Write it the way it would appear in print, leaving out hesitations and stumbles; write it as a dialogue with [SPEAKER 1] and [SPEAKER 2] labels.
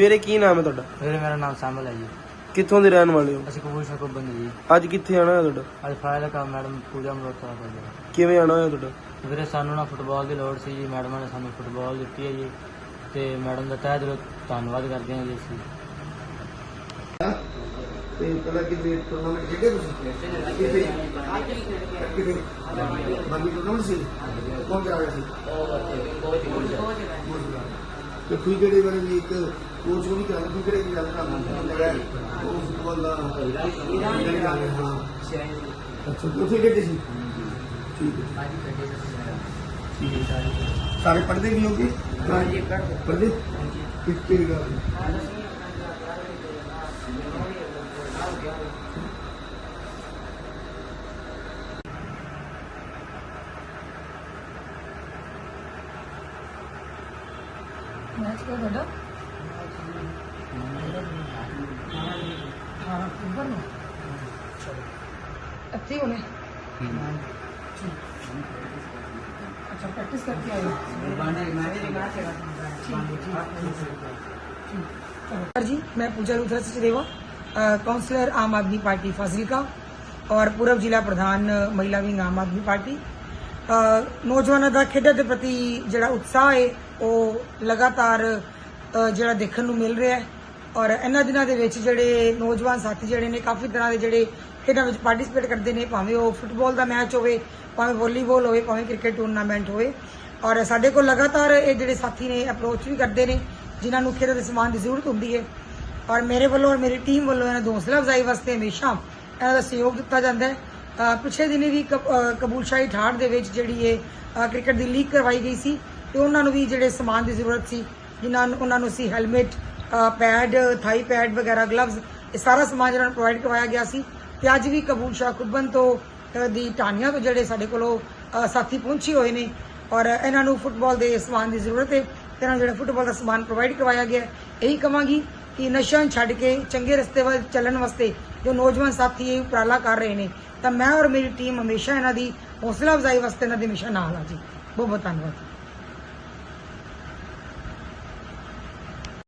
[SPEAKER 1] ਵੀਰੇ ਕੀ ਨਾਮ ਹੈ ਤੁਹਾਡਾ?
[SPEAKER 2] ਵੀਰੇ ਮੇਰਾ ਨਾਮ ਸਾਮਲ ਹੈ ਜੀ।
[SPEAKER 1] ਕਿੱਥੋਂ ਦੇ ਰਹਿਣ ਵਾਲੇ ਹੋ?
[SPEAKER 2] ਅਸੀਂ ਕਪੂਰਥਲਾ ਤੋਂ ਬੰਦੇ ਜੀ।
[SPEAKER 1] ਅੱਜ ਕਿੱਥੇ ਆਣਾ ਹੈ ਤੁਹਾਡਾ?
[SPEAKER 2] ਅੱਜ ਫਾਇਲ ਦਾ ਕੰਮ ਮੈਡਮ ਪੂਜਾ ਮਲੋਤਰਾ ਕਰਦੇ ਆ।
[SPEAKER 1] ਕਿਵੇਂ ਆਣਾ ਹੋਇਆ ਤੁਹਾਡਾ?
[SPEAKER 2] ਵੀਰੇ ਸਾਨੂੰ ਨਾ ਫੁੱਟਬਾਲ ਦੀ ਲੋੜ ਸੀ ਜੀ, ਮੈਡਮਾਂ ਨੇ ਸਾਨੂੰ ਫੁੱਟਬਾਲ ਦਿੱਤੀ ਹੈ ਜੀ ਤੇ ਮੈਡਮ ਦਾ ਤਹਿ ਦਿਲੋਂ ਧੰਨਵਾਦ ਕਰਦੇ ਹਾਂ ਜੀ ਅਸੀਂ।
[SPEAKER 3] ਤੇ ਪਹਿਲਾਂ ਕਿਤੇ ਟੂਰਨਾਮੈਂਟ ਖੇਡੇ ਤੁਸੀਂ? ਕਿਤੇ ਬਾਕੀ ਟੂਰਨਾਮੈਂਟ ਸੀ ਕੌਣ ਕਰਾ ਰਿਹਾ ਸੀ? ਤੇ ਤੁਸੀਂ ਕਿਹੜੇ ਵਾਲੇ ਵੀ ਇੱਕ ਕੋਚ ਨੂੰ ਵੀ ਕਰਾ ਤੁਸੀਂ ਕਿਹੜੇ ਕੀ ਗੱਲ ਕਰਨਾ ਲੱਗਾ ਉਹ ਫੁੱਟਬਾਲ ਦਾ ਹਾਂ ਅੱਛਾ ਤੁਸੀਂ ਕਿਹੜੇ ਸੀ? ਠੀਕ ਹੈ ਸਾਰੇ ਪੜ੍ਹਦੇ ਵੀ ਹੋਗੇ? ਪੜ੍ਹਦੇ ਕਿਹੜੀ ਗੱਲ?
[SPEAKER 4] मैच क्या दादा? अक्टूबर में अच्छी होने अच्छा प्रैक्टिस करके आए जी। मैं पूजा लूथरा सचदेवा, काउंसलर आम आदमी पार्टी फाजिलका और पूर्व जिला प्रधान महिला विंग आम आदमी पार्टी। नौजवानों का खेडों के प्रति जिहड़ा उत्साह है ਉਹ ਲਗਾਤਾਰ ਜਿਹੜਾ ਦੇਖਣ ਨੂੰ ਮਿਲ ਰਿਹਾ ਹੈ ਔਰ ਇਹਨਾਂ ਦਿਨਾਂ ਦੇ ਵਿੱਚ ਜਿਹੜੇ ਨੌਜਵਾਨ ਸਾਥੀ ਜਿਹੜੇ ਨੇ ਕਾਫੀ ਤਰ੍ਹਾਂ ਦੇ ਜਿਹੜੇ ਖੇਡਾਂ ਵਿੱਚ ਪਾਰਟਿਸਿਪੇਟ ਕਰਦੇ ਨੇ, ਭਾਵੇਂ ਉਹ ਫੁੱਟਬਾਲ ਦਾ ਮੈਚ ਹੋਵੇ, ਭਾਵੇਂ ਵਾਲੀਬਾਲ ਹੋਵੇ, ਭਾਵੇਂ ਕ੍ਰਿਕਟ ਟੂਰਨਾਮੈਂਟ ਹੋਵੇ। ਔਰ ਸਾਡੇ ਕੋਲ ਲਗਾਤਾਰ ਇਹ ਜਿਹੜੇ ਸਾਥੀ ਨੇ ਅਪਰੋਚ ਵੀ ਕਰਦੇ ਨੇ ਜਿਨ੍ਹਾਂ ਨੂੰ ਖੇਡਾਂ ਦੇ ਸਮਾਨ ਦੀ ਜ਼ਰੂਰਤ ਹੁੰਦੀ ਹੈ ਔਰ ਮੇਰੇ ਵੱਲੋਂ ਔਰ ਮੇਰੀ ਟੀਮ ਵੱਲੋਂ ਇਹਨਾਂ ਦੀ ਹੌਸਲਾ ਅਫਜ਼ਾਈ ਵਾਸਤੇ ਹਮੇਸ਼ਾ ਇਹਨਾਂ ਦਾ ਸਹਿਯੋਗ ਦਿੱਤਾ ਜਾਂਦਾ ਹੈ। ਪਿਛਲੇ ਦਿਨੀ ਵੀ ਕਬੂਲਸ਼ਾਹੀ ਠਾਠ ਦੇ ਵਿੱਚ ਜਿਹੜੀ ਇਹ ਕ੍ਰਿਕਟ ਦੀ ਲੀਗ ਕਰਵਾਈ ਗਈ ਸੀ ਤੇ ਉਹਨਾਂ ਨੂੰ ਵੀ ਜਿਹੜੇ ਸਮਾਨ ਦੀ ਜ਼ਰੂਰਤ ਸੀ, ਜਿਨ੍ਹਾਂ ਨੂੰ ਉਹਨਾਂ ਨੂੰ ਅਸੀਂ ਹੈਲਮਟ, ਪੈਡ, ਥਾਈ ਪੈਡ ਵਗੈਰਾ, ਗਲਵਜ਼, ਇਹ ਸਾਰਾ ਸਮਾਨ ਜਿਹੜਾ ਪ੍ਰੋਵਾਈਡ ਕਰਵਾਇਆ ਗਿਆ ਸੀ। ਤੇ ਅੱਜ ਵੀ ਕਬੂਲਸ਼ਾਹ ਖੁੱਬਨ ਤੋਂ ਦੀ ਟਾਹਣੀਆਂ ਤੋਂ ਜਿਹੜੇ ਸਾਡੇ ਕੋਲੋਂ ਸਾਥੀ ਪਹੁੰਚੇ ਹੋਏ ਨੇ ਔਰ ਇਹਨਾਂ ਨੂੰ ਫੁੱਟਬਾਲ ਦੇ ਸਮਾਨ ਦੀ ਜ਼ਰੂਰਤ ਹੈ ਤੇ ਇਹਨਾਂ ਨੂੰ ਜਿਹੜਾ ਫੁੱਟਬਾਲ ਦਾ ਸਮਾਨ ਪ੍ਰੋਵਾਈਡ ਕਰਵਾਇਆ ਗਿਆ। ਇਹੀ ਕਹਾਂਗੀ ਕਿ ਨਸ਼ਾ ਛੱਡ ਕੇ ਚੰਗੇ ਰਸਤੇ ਵੱਲ ਚੱਲਣ ਵਾਸਤੇ ਜੋ ਨੌਜਵਾਨ ਸਾਥੀ ਇਹ ਉਪਰਾਲਾ ਕਰ ਰਹੇ ਨੇ ਤਾਂ ਮੈਂ ਔਰ ਮੇਰੀ ਟੀਮ ਹਮੇਸ਼ਾ ਇਹਨਾਂ ਦੀ ਹੌਸਲਾ ਅਫਜ਼ਾਈ ਵਾਸਤੇ ਇਹਨਾਂ ਦੇ ਹਮੇਸ਼ਾ ਨਾਲ ਆ ਜੀ। ਬਹੁਤ ਬਹੁਤ ਧੰਨਵਾਦ।